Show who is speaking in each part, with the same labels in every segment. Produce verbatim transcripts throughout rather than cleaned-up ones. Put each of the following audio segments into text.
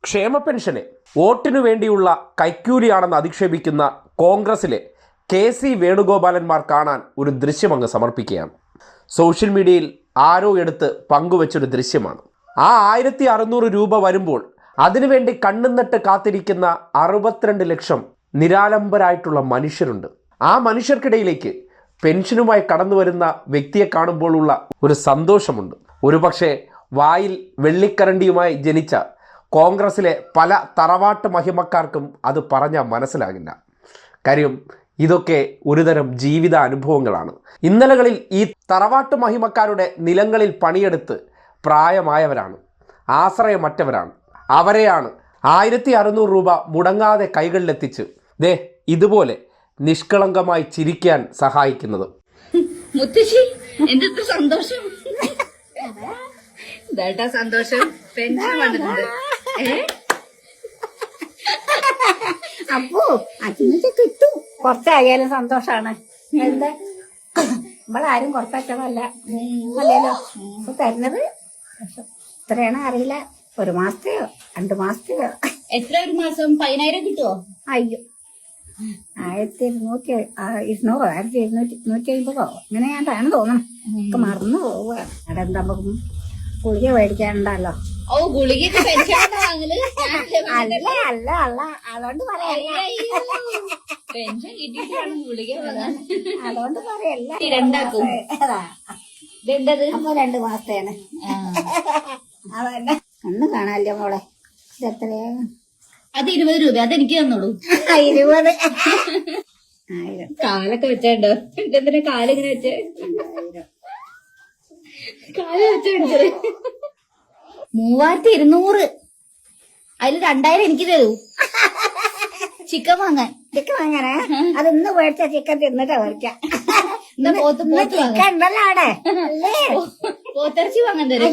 Speaker 1: ക്ഷേമ പെൻഷനെ വോട്ടിനു വേണ്ടിയുള്ള കൈക്കൂലിയാണെന്ന് അധിക്ഷേപിക്കുന്ന കോൺഗ്രസിലെ കെ സി വേണുഗോപാലന്മാർ കാണാൻ ഒരു ദൃശ്യം അങ്ങ് സമർപ്പിക്കുകയാണ്. സോഷ്യൽ മീഡിയയിൽ ആരോ എടുത്ത് പങ്കുവച്ചൊരു ദൃശ്യമാണ്. ആ ആയിരത്തി അറുന്നൂറ് രൂപ വരുമ്പോൾ അതിനുവേണ്ടി കണ്ണുനട്ട് കാത്തിരിക്കുന്ന അറുപത്തിരണ്ട് ലക്ഷം നിരാലംബരായിട്ടുള്ള മനുഷ്യരുണ്ട്. ആ മനുഷ്യർക്കിടയിലേക്ക് പെൻഷനുമായി കടന്നു വരുന്ന വ്യക്തിയെ കാണുമ്പോഴുള്ള ഒരു സന്തോഷമുണ്ട്. ഒരുപക്ഷെ വായിൽ വെള്ളിക്കരണ്ടിയുമായി ജനിച്ച കോൺഗ്രസിലെ പല തറവാട്ട് മഹിമക്കാർക്കും അത് പറഞ്ഞാൽ മനസ്സിലാകില്ല. കാര്യം ഇതൊക്കെ ഒരുതരം ജീവിത അനുഭവങ്ങളാണ്. ഇന്നലകളിൽ ഈ തറവാട്ട് മഹിമക്കാരുടെ നിലങ്ങളിൽ പണിയെടുത്ത് പ്രായമായവരാണ്, ആശ്രയമറ്റവരാണ്. അവരെയാണ് ആയിരത്തി അറുന്നൂറ് രൂപ മുടങ്ങാതെ കൈകളിലെത്തിച്ച് ദേ ഇതുപോലെ നിഷ്കളങ്കമായി ചിരിക്കാൻ സഹായിക്കുന്നത്.
Speaker 2: മുത്തശ്ശി എന്തൊക്കെ സന്തോഷം, സന്തോഷം പെൻഷൻ വന്നിട്ടുണ്ട്.
Speaker 3: അപ്പോ അച്ഛനൊക്കെ കിട്ടും, കുറച്ചായാലും സന്തോഷാണ്. എന്താ നമ്മളാരും കുറച്ചല്ല അല്ലല്ലോ ഇപ്പൊ തരുന്നത്. ഇത്രയാണ് അറിയില്ല, ഒരു മാസത്തെയോ രണ്ടു മാസത്തെയോ.
Speaker 2: എത്ര ഒരു മാസം പതിനായിരം കിട്ടുമോ?
Speaker 3: അയ്യോ, ആയിരത്തി ഇരുന്നൂറ്റി ഇരുന്നൂറോ ആയിരത്തി ഇരുന്നൂറ്റി ഇരുന്നൂറ്റി അമ്പതോ ഇങ്ങനെ ഞാൻ താൻ തോന്നണം. ഒക്കെ മറന്നു പോവുക. അവിടെ എന്താ നമുക്ക് ഗുളിക മേടിക്കാനുണ്ടല്ലോ.
Speaker 2: ഓ ഗുളിക പെൻഷൻ വാങ്ങല്?
Speaker 3: അല്ല അല്ല അല്ല അതുകൊണ്ട് പറയല്ല,
Speaker 2: പെൻഷൻ കിട്ടിയിട്ട് വേണം ഗുളിക വാങ്ങാൻ.
Speaker 3: അതുകൊണ്ട് പറയല്ല.
Speaker 2: രണ്ടാക്കും ഇതെന്തത്?
Speaker 3: അപ്പൊ രണ്ടു മാസത്തേന് അതന്നെ. ഒന്നും കാണാല്ലോ മോളെ. ഇതെത്രയാ?
Speaker 2: അത് ഇരുപത് രൂപ. അതെനിക്ക് തന്നോളൂ.
Speaker 3: ഇരുപത് ആയിരം.
Speaker 2: കാലൊക്കെ വെച്ചോ. എന്തിനാ കാലിങ്ങനെ വെച്ചേ? കാല് വെച്ചെടുത്തത് മൂവായിരത്തി ഇരുന്നൂറ്. അതിൽ രണ്ടായിരം എനിക്ക് തരൂ ചിക്കൻ വാങ്ങാൻ.
Speaker 3: ചിക്കൻ വാങ്ങാനേ? അത് ഇന്ന് മേടിച്ച ചിക്കൻ തിന്നിട്ടാ മേടിക്കാം.
Speaker 2: ചിക്കൻ
Speaker 3: ഉണ്ടല്ലോ അവിടെ.
Speaker 2: പോത്തിറച്ചി വാങ്ങാൻ തരും.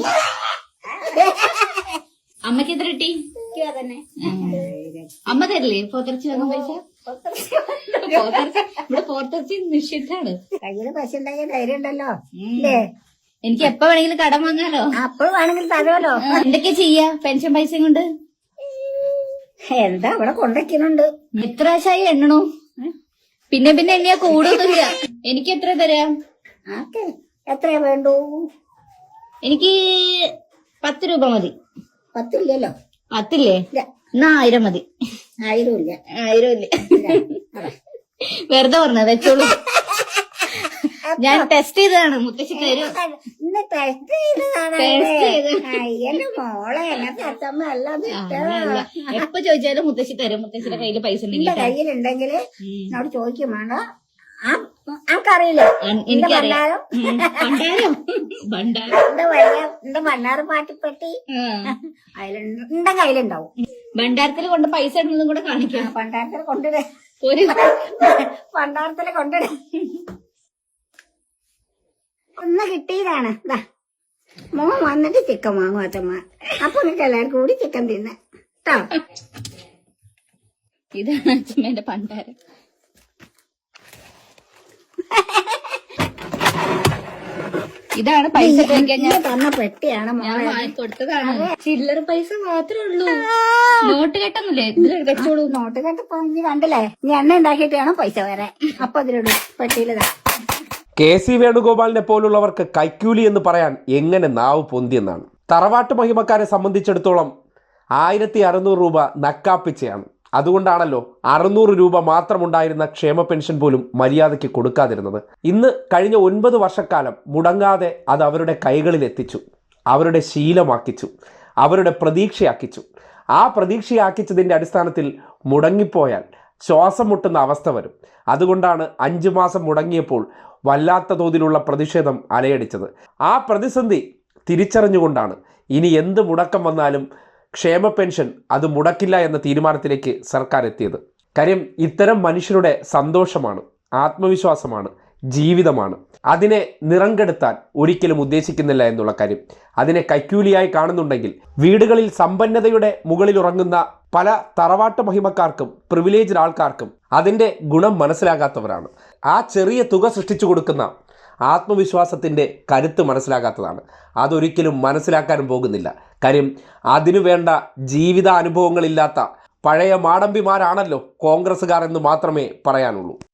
Speaker 2: അമ്മക്ക് എത്ര കിട്ടി?
Speaker 3: തന്നെ
Speaker 2: അമ്മ തരില്ലേ പോത്തിറച്ചി വാങ്ങാൻ പൈസ? ഇവിടെ പോത്തിറച്ചി നിഷിദ്ധാണ്.
Speaker 3: കയ്യില് പൈസ ഉണ്ടെങ്കിൽ ധൈര്യം ഉണ്ടല്ലോ അല്ലേ?
Speaker 2: എനിക്ക് എപ്പോ വേണമെങ്കിലും കടം വാങ്ങാലോ.
Speaker 3: അപ്പോൾ വേണമെങ്കിൽ തരുമല്ലോ.
Speaker 2: എന്തൊക്കെ ചെയ്യാ പെൻഷൻ പൈസ കൊണ്ട്?
Speaker 3: എന്താ ഇവിടെ കൊണ്ടുവയ്ക്കുന്നുണ്ട്.
Speaker 2: എത്ര ആശായി എണ്ണണോ? പിന്നെ പിന്നെ എണ്ണിയാ കൂടുതലില്ല. എനിക്ക് എത്ര തരാം?
Speaker 3: ആക്കെ എത്രയാ വേണ്ടു?
Speaker 2: എനിക്ക് പത്ത് രൂപ മതി.
Speaker 3: പത്തില്ലല്ലോ.
Speaker 2: പത്തില്ലേ? എന്നാ ആയിരം മതി.
Speaker 3: ആയിരം ഇല്ല.
Speaker 2: ആയിരം ഇല്ല, വെറുതെ പറഞ്ഞത് വെച്ചോളൂ. ഞാൻ ടെസ്റ്റ് ചെയ്തതാണ്. മുത്തശ്ശി തരും.
Speaker 3: ടെസ്റ്റ് ചെയ്തതാണ്. അയ്യന്റെ മോളെ എന്നെ അച്ഛമ്മ അല്ലാതെ
Speaker 2: എപ്പൊ ചോദിച്ചാലും മുത്തശ്ശി തരും. മുത്തശ്ശിയുടെ കയ്യില് പൈസ ഉണ്ടെങ്കിൽ
Speaker 3: കയ്യിലുണ്ടെങ്കിൽ എന്നോട് ചോദിക്കും വേണ്ട. ആൾക്കറിയില്ലേ എന്റെ ഭണ്ഡാരം? എന്റെ വലിയ എന്റെ ഭണ്ഡാര പാട്ടിപ്പെട്ടി അതിലുണ്ട്, കയ്യിലുണ്ടാവും.
Speaker 2: ഭണ്ഡാരത്തിൽ കൊണ്ട് പൈസ ഇടുന്നതും കൂടെ കാണിക്കാം.
Speaker 3: ഭണ്ഡാരത്തിൽ കൊണ്ടിട ഭണ്ഡാരത്തില് കൊണ്ടിട ഒന്ന് കിട്ടിയതാണ്. ഇതാ മോൻ വന്നിട്ട് ചിക്കൻ വാങ്ങും അച്ഛമ്മ. അപ്പൊ നിങ്ങൾക്ക് എല്ലാവർക്കും കൂടി ചിക്കൻ തിന്ന കേട്ടോ.
Speaker 2: ഇതാണ് അച്ഛമ്മേന്റെ ഭണ്ഡാരം. ഇതാണ് പൈസ
Speaker 3: ഞാൻ തന്ന പെട്ടിയാണ് മോളെ
Speaker 2: കൊടുത്തതാണ്. ചില്ലറ പൈസ മാത്രമേ ഉള്ളൂ. നോട്ട് കെട്ടൊന്നുമില്ലേ? ഇതിൽ വെച്ചോളൂ.
Speaker 3: നോട്ട് കെട്ടപ്പോ കണ്ടില്ലേ? ഇനി എണ്ണ ഉണ്ടാക്കിയിട്ട് വേണം പൈസ വരാൻ. അപ്പൊ അതിലുള്ളൂ പെട്ടിയിലിതാ.
Speaker 1: കെ സി വേണുഗോപാലിനെ പോലുള്ളവർക്ക് കൈക്കൂലി എന്ന് പറയാൻ എങ്ങനെ നാവ് പൊന്തിയെന്നാണ്. തറവാട്ട് മഹിമക്കാരെ സംബന്ധിച്ചിടത്തോളം ആയിരത്തി അറുന്നൂറ് രൂപ നക്കാപ്പിച്ചയാണ്. അതുകൊണ്ടാണല്ലോ അറുന്നൂറ് രൂപ മാത്രമുണ്ടായിരുന്ന ക്ഷേമ പെൻഷൻ പോലും മര്യാദയ്ക്ക് കൊടുക്കാതിരുന്നത്. ഇന്ന് കഴിഞ്ഞ ഒൻപത് വർഷക്കാലം മുടങ്ങാതെ അത് അവരുടെ കൈകളിൽ എത്തിച്ചു, അവരുടെ ശീലമാക്കിച്ചു, അവരുടെ പ്രതീക്ഷയാക്കിച്ചു. ആ പ്രതീക്ഷയാക്കിച്ചതിൻ്റെ അടിസ്ഥാനത്തിൽ മുടങ്ങിപ്പോയാൽ ശ്വാസം മുട്ടുന്ന അവസ്ഥ വരും. അതുകൊണ്ടാണ് അഞ്ചു മാസം മുടങ്ങിയപ്പോൾ വല്ലാത്ത തോതിലുള്ള പ്രതിഷേധം അലയടിച്ചത്. ആ പ്രതിസന്ധി തിരിച്ചറിഞ്ഞുകൊണ്ടാണ് ഇനി എന്ത് മുടക്കം വന്നാലും ക്ഷേമ പെൻഷൻ അത് മുടക്കില്ല എന്ന തീരുമാനത്തിലേക്ക് സർക്കാർ എത്തിയത്. കാര്യം ഇത്തരം മനുഷ്യരുടെ സന്തോഷമാണ്, ആത്മവിശ്വാസമാണ്, ജീവിതമാണ്. അതിനെ നിറം കെടുത്താൻ ഒരിക്കലും ഉദ്ദേശിക്കുന്നില്ല എന്നുള്ള കാര്യം. അതിനെ കൈക്കൂലിയായി കാണുന്നുണ്ടെങ്കിൽ വീടുകളിൽ സമ്പന്നതയുടെ മുകളിൽ ഉറങ്ങുന്ന പല തറവാട്ട് മഹിമക്കാർക്കും പ്രിവിലേജ്ഡ് ആൾക്കാർക്കും അതിൻ്റെ ഗുണം മനസ്സിലാകാത്തവരാണ്. ആ ചെറിയ തുക സൃഷ്ടിച്ചു കൊടുക്കുന്ന ആത്മവിശ്വാസത്തിൻ്റെ കരുത്ത് മനസ്സിലാക്കാത്തതാണ്. അതൊരിക്കലും മനസ്സിലാക്കാനും പോകുന്നില്ല. കാര്യം അതിനു വേണ്ട ജീവിതാനുഭവങ്ങളില്ലാത്ത പഴയ മാടമ്പിമാരാണല്ലോ കോൺഗ്രസ്സുകാർ എന്ന് മാത്രമേ പറയാനുള്ളൂ.